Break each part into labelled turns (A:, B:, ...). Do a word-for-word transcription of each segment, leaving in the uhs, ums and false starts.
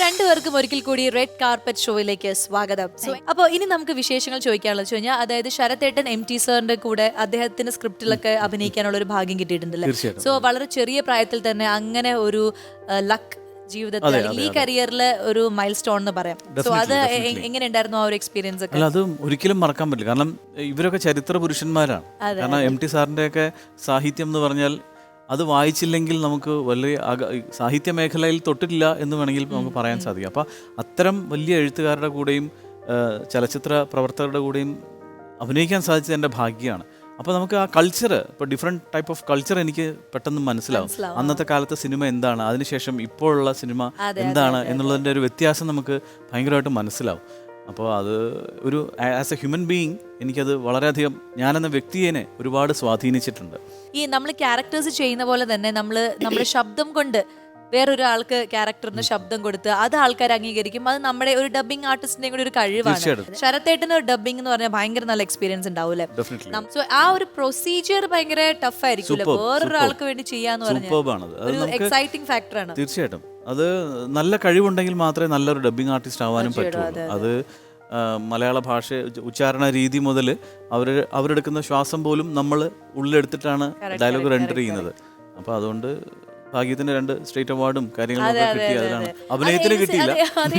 A: രണ്ടുപേർക്കും ഒരിക്കൽ കൂടി റെഡ് കാർപ്പറ്റ് ഷോയിലേക്ക് സ്വാഗതം. അപ്പോൾ ഇനി നമുക്ക് വിശേഷങ്ങൾ ചോദിക്കാനുള്ളത് വെച്ച് കഴിഞ്ഞാൽ, അതായത് ശരത്തേട്ടൻ എം ടി സാറിന്റെ കൂടെ അദ്ദേഹത്തിന്റെ സ്ക്രിപ്റ്റിലൊക്കെ അഭിനയിക്കാനുള്ള ഒരു ഭാഗ്യം കിട്ടിയിട്ടുണ്ടല്ലേ? സോ വളരെ ചെറിയ പ്രായത്തിൽ തന്നെ അങ്ങനെ ഒരു ലക്ക് ജീവിതത്തിൽ ഈ കരിയറിലെ ഒരു മൈൽ സ്റ്റോൺ എന്ന് പറയാം. സോ അത് എങ്ങനെ ഉണ്ടായിരുന്നു ആ ഒരു എക്സ്പീരിയൻസ് ഒക്കെ?
B: അല്ല, അത് ഒരിക്കലും മറക്കാൻ പറ്റില്ല. കാരണം ഇവരൊക്കെ ചരിത്ര പുരുഷന്മാരാണ്. കാരണം എം ടി സാറിന്റെ ഒക്കെ സാഹിത്യം എന്ന് പറഞ്ഞാൽ അത് വായിച്ചില്ലെങ്കിൽ നമുക്ക് വലിയ സാഹിത്യ മേഖലയിൽ തൊട്ടിട്ടില്ല എന്ന് വേണമെങ്കിൽ നമുക്ക് പറയാൻ സാധിക്കും. അപ്പം അത്തരം വലിയ എഴുത്തുകാരുടെ കൂടെയും ചലച്ചിത്ര പ്രവർത്തകരുടെ കൂടെയും അഭിനയിക്കാൻ സാധിച്ചത് എൻ്റെ ഭാഗ്യമാണ്. അപ്പോൾ നമുക്ക് ആ കൾച്ചർ, ഇപ്പോൾ ഡിഫറെൻറ്റ് ടൈപ്പ് ഓഫ് കൾച്ചർ എനിക്ക് പെട്ടെന്ന് മനസ്സിലാവും. അന്നത്തെ കാലത്തെ സിനിമ എന്താണ്, അതിനുശേഷം ഇപ്പോഴുള്ള സിനിമ എന്താണ് എന്നുള്ളതിൻ്റെ ഒരു വ്യത്യാസം നമുക്ക് ഭയങ്കരമായിട്ട് മനസ്സിലാവും. അപ്പോൾ അത് ഒരു ആസ് എ ഹ്യൂമൻ ബീയിങ് എനിക്കത് വളരെയധികം, ഞാനെന്ന വ്യക്തിയെ ഒരുപാട് സ്വാധീനിച്ചിട്ടുണ്ട്.
A: ഈ നമ്മൾ ക്യാരക്ടേഴ്സ് ചെയ്യുന്ന പോലെ തന്നെ നമ്മൾ നമ്മുടെ ശബ്ദം കൊണ്ട് വേറൊരാൾക്ക് ക്യാരക്ടറിന് ശബ്ദം കൊടുത്ത് അത് ആൾക്കാർ അംഗീകരിക്കും. അത് നമ്മുടെ ഒരു ഡബിങ് ആർട്ടിസ്റ്റിന്റെ കൂടി ഒരു കഴിവാണ്. ശരത്തേട്ടന് ഒരു ഡബിങ് എന്ന് പറഞ്ഞാൽ ഭയങ്കര നല്ല എക്സ്പീരിയൻസ് ഉണ്ടാവൂല്ലേ? ആ ഒരു പ്രൊസീജിയർ ഭയങ്കര ടഫ് ആയിരിക്കും വേറൊരാൾക്ക് വേണ്ടി ചെയ്യാന്ന് പറഞ്ഞാൽ എക്സൈറ്റിംഗ് ഫാക്ടറാണ്.
B: തീർച്ചയായിട്ടും അത് നല്ല കഴിവുണ്ടെങ്കിൽ മാത്രമേ നല്ലൊരു ഡബിങ് ആർട്ടിസ്റ്റ് ആവാനും പറ്റുള്ളൂ. അത് മലയാള ഭാഷ ഉച്ചാരണ രീതി മുതൽ അവർ അവരെടുക്കുന്ന ശ്വാസം പോലും നമ്മൾ ഉള്ളിലെടുത്തിട്ടാണ് ഡയലോഗ് റെൻഡർ ചെയ്യുന്നത്. അപ്പോൾ അതുകൊണ്ട് ഭാഗ്യത്തിന് രണ്ട് സ്റ്റേറ്റ് അവാർഡും കാര്യങ്ങളൊക്കെ കിട്ടി. അതിലാണ് അഭിനയത്തിന് കിട്ടിയില്ല.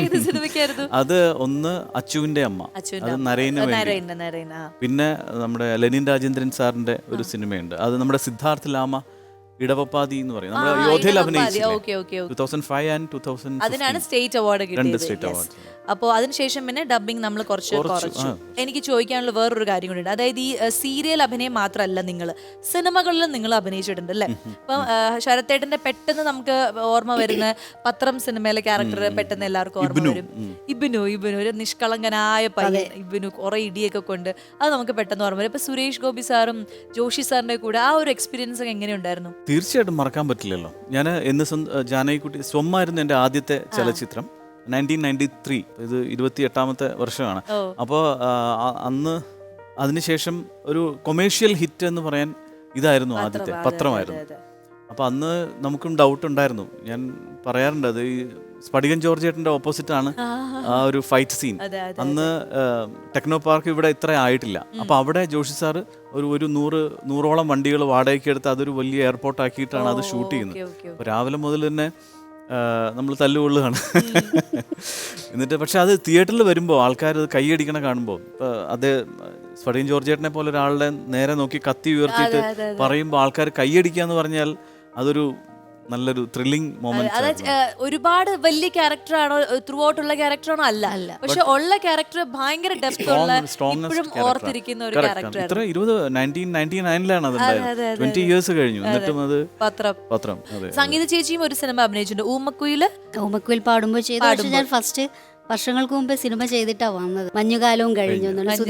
B: അത് ഒന്ന് അച്ചുവിന്റെ അമ്മ, അത് നരേന് വേണ്ടി. പിന്നെ നമ്മുടെ ലെനിൻ രാജേന്ദ്രൻ സാറിന്റെ ഒരു സിനിമയുണ്ട്, അത് നമ്മുടെ സിദ്ധാർത്ഥ് ലാമ ഇടവപ്പാതി എന്ന് പറയും, നമ്മുടെ യോധയിൽ അഭിനയിച്ചു.
A: അതിനാണ് സ്റ്റേറ്റ് അവാർഡ് കിട്ടിയത്. അപ്പോൾ അതിനുശേഷം പിന്നെ ഡബിങ് നമ്മൾ കുറച്ച് കുറച്ചു. എനിക്ക് ചോദിക്കാനുള്ള വേറൊരു കാര്യം കൂടി ഉണ്ട്. അതായത് ഈ സീരിയൽ അഭിനയം മാത്രമല്ല, നിങ്ങൾ സിനിമകളിലും നിങ്ങൾ അഭിനയിച്ചിട്ടുണ്ട് അല്ലേ? ഇപ്പം ശരത്തേട്ടന്റെ പെട്ടെന്ന് നമുക്ക് ഓർമ്മ വരുന്ന പത്രം സിനിമയിലെ ക്യാരക്ടർ പെട്ടെന്ന് എല്ലാവർക്കും ഓർമ്മ വരും. ഇബിനു ഇബിനു ഒരു നിഷ്കളങ്കനായ പയ്യൻ, ഇബിനു കുറെ ഇടിയൊക്കെ കൊണ്ട്, അത് നമുക്ക് പെട്ടെന്ന് ഓർമ്മ വരും. ഇപ്പൊ സുരേഷ് ഗോപി സാറും ജോഷി സാറിന്റെ കൂടെ ആ ഒരു എക്സ്പീരിയൻസ് ഒക്കെ എങ്ങനെയുണ്ടായിരുന്നു?
B: തീർച്ചയായിട്ടും മറക്കാൻ പറ്റില്ലല്ലോ. ഞാൻ എന്ന് ജാനകിക്കുട്ടി സ്വമായിരുന്നു എൻ്റെ ആദ്യത്തെ ചലച്ചിത്രം. നയൻറ്റീൻ നയൻറ്റി ത്രീ ഇത് ഇരുപത്തി എട്ടാമത്തെ വർഷമാണ്. അപ്പോൾ അന്ന് അതിനുശേഷം ഒരു കൊമേഴ്ഷ്യൽ ഹിറ്റ് എന്ന് പറയാൻ ഇതായിരുന്നു ആദ്യത്തെ പത്രമായിരുന്നു. അപ്പോൾ അന്ന് നമുക്കും ഡൗട്ട് ഉണ്ടായിരുന്നു. ഞാൻ പറയാറുണ്ട്, അത് ഈ സ്ഫടികൻ ജോർജേട്ടൻ്റെ ഓപ്പോസിറ്റാണ് ആ ഒരു ഫൈറ്റ് സീൻ. അന്ന് ടെക്നോ പാർക്ക് ഇവിടെ ഇത്ര ആയിട്ടില്ല. അപ്പോൾ അവിടെ ജോഷി സാറ് ഒരു ഒരു നൂറ് നൂറോളം വണ്ടികൾ വാടകയ്ക്ക് എടുത്ത് അതൊരു വലിയ എയർപോർട്ട് ആക്കിയിട്ടാണ് അത് ഷൂട്ട് ചെയ്യുന്നത്. അപ്പോൾ രാവിലെ മുതൽ തന്നെ നമ്മൾ തല്ലുകൊള്ളുകയാണ്. എന്നിട്ട് പക്ഷെ അത് തിയേറ്ററിൽ വരുമ്പോൾ ആൾക്കാർ അത് കൈയടിക്കണ കാണുമ്പോൾ, ഇപ്പോൾ അത് സ്ഫടികൻ ജോർജേട്ടനെ പോലെ ഒരാളുടെ നേരെ നോക്കി കത്തി ഉയർത്തിയിട്ട് പറയുമ്പോൾ ആൾക്കാർ കൈയടിക്കുക എന്ന് പറഞ്ഞാൽ അതൊരു നല്ലൊരു ത്രില്ലിംഗ് മൊമെന്റ്.
A: ഒരുപാട് വലിയ ക്യാരക്ടറാണോ, ത്രൂ ഔട്ട് ഉള്ള ക്യാരക്ടറാണോ? അല്ല അല്ല പക്ഷെ ഉള്ള ക്യാരക്ടർ ഭയങ്കര ഡെപ്ത് ഉള്ള, ഇപ്പോഴും ഓർത്തിരിക്കുന്ന ഒരു ക്യാരക്ടർ.
B: ഇത്ര ഇരുപത് നയൻറ്റീൻ നയൻറ്റി നയനിലാണ് അത് ട്വന്റി ഇയേഴ്സ് കഴിഞ്ഞു. എന്നിട്ടും അത് പത്രം പത്രം
A: സംഗീത ചേച്ചിയും ഒരു സിനിമ അഭിനയിച്ചിട്ടുണ്ട്, ഊമക്കുയില്.
C: ഊമക്കുയിൽ പാടുമ്പോൾ ചെയ്തു. ഞാൻ ഫസ്റ്റ് വർഷങ്ങൾക്ക് മുമ്പ് സിനിമ ചെയ്തിട്ടാ വന്നത്, മഞ്ഞുകാലവും കഴിഞ്ഞു.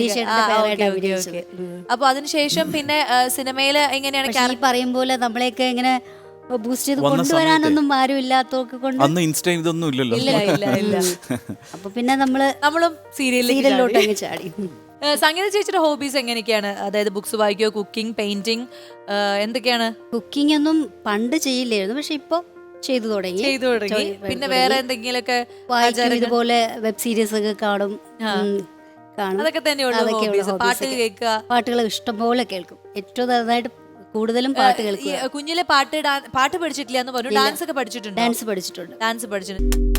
A: അപ്പൊ അതിനുശേഷം പിന്നെ സിനിമയില് എങ്ങനെയാണ് ഈ
C: പറയും പോലെ നമ്മളെയൊക്കെ ഇങ്ങനെ ബൂസ്റ്റ് ചെയ്ത് കൊണ്ടുവരാനൊന്നും ആരും ഇല്ലാത്തവർക്ക് കൊണ്ട്
B: അന്ന് ഇൻസ്റ്റ ഇതൊന്നും ഇല്ലല്ലോ.
C: അപ്പൊ പിന്നെ നമ്മള്
A: നമ്മളും
C: സീരിയലിലോട്ട് അങ്ങ് ചാടി.
A: സംഗീത ചേച്ചിയുടെ ഹോബീസ് എങ്ങനെയൊക്കെയാണ്? അതായത് ബുക്സ് വായിക്കോ, കുക്കിംഗ്, പെയിന്റിംഗ്, എന്തൊക്കെയാണ്?
C: കുക്കിംഗ് ഒന്നും പണ്ട് ചെയ്യില്ലായിരുന്നു, പക്ഷെ ഇപ്പൊ ചെയ്തു തുടങ്ങി
A: ചെയ്തു തുടങ്ങി പിന്നെ വേറെ എന്തെങ്കിലുമൊക്കെ
C: ഇതുപോലെ വെബ് സീരീസ് ഒക്കെ കാണും.
A: അതൊക്കെ തന്നെയുള്ളൂ. പാട്ട് കേൾക്കുക,
C: പാട്ടുകൾ ഇഷ്ടംപോലെ കേൾക്കും. ഏറ്റവും നന്നായിട്ട് കൂടുതലും പാട്ട് കേൾക്കുക.
A: കുഞ്ഞിലെ പാട്ട് പാട്ട് പഠിച്ചിട്ടില്ല എന്ന് പറഞ്ഞു, ഡാൻസ് ഒക്കെ പഠിച്ചിട്ടുണ്ട്?
C: ഡാൻസ് പഠിച്ചിട്ടുണ്ട്
A: ഡാൻസ് പഠിച്ചിട്ടുണ്ട്